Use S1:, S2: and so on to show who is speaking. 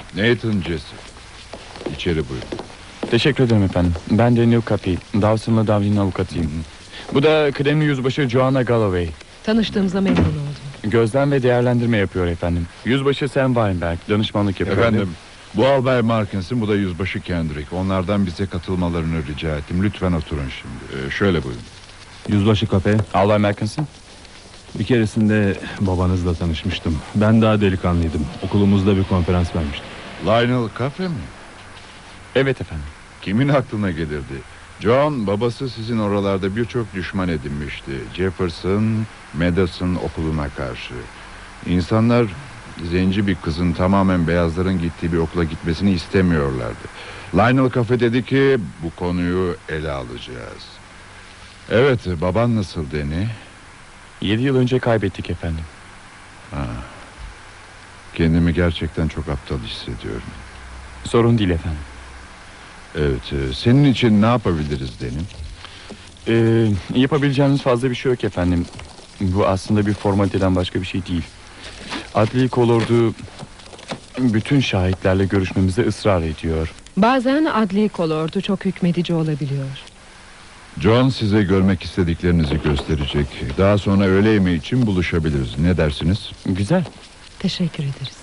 S1: Nathan Jesse. İçeri buyurun.
S2: Teşekkür ederim efendim. Ben Daniel Cappy, Dawson'la Dowley'nin avukatıyım. Bu da kıdemli yüzbaşı Joanna Galloway.
S3: Tanıştığımıza memnun oldum.
S2: Gözlem ve değerlendirme yapıyor efendim. Yüzbaşı Sam Weinberg danışmanlık yapıyor.
S1: Efendim, bu Albay Markinson, bu da yüzbaşı Kendrick. Onlardan bize katılmalarını rica ettim. Lütfen oturun şimdi. Şöyle buyurun.
S4: Yüzbaşı Kape,
S2: Albay Markinson.
S4: bir keresinde babanızla tanışmıştım. Ben daha delikanlıydım. Okulumuzda bir konferans vermiştim.
S1: Lionel Cafe mi?
S2: Evet efendim.
S1: Kimin aklına gelirdi? John, babası sizin oralarda birçok düşman edinmişti. Jefferson, Madison okuluna karşı. İnsanlar zenci bir kızın tamamen beyazların gittiği bir okula gitmesini istemiyorlardı. Lionel Cafe dedi ki bu konuyu ele alacağız. Evet, baban nasıl Danny?
S2: 7 yıl önce kaybettik efendim.
S1: Kendimi gerçekten çok aptal hissediyorum.
S2: Sorun değil efendim.
S1: Evet, senin için ne yapabiliriz Danny?
S2: Yapabileceğimiz fazla bir şey yok efendim. Bu aslında bir formaliteden başka bir şey değil. Adli kolordu bütün şahitlerle görüşmemize ısrar ediyor.
S3: Bazen adli kolordu çok hükmedici olabiliyor.
S1: John size görmek istediklerinizi gösterecek. Daha sonra öğle yemeği için buluşabiliriz. Ne dersiniz?
S2: Güzel.
S3: Teşekkür ederiz.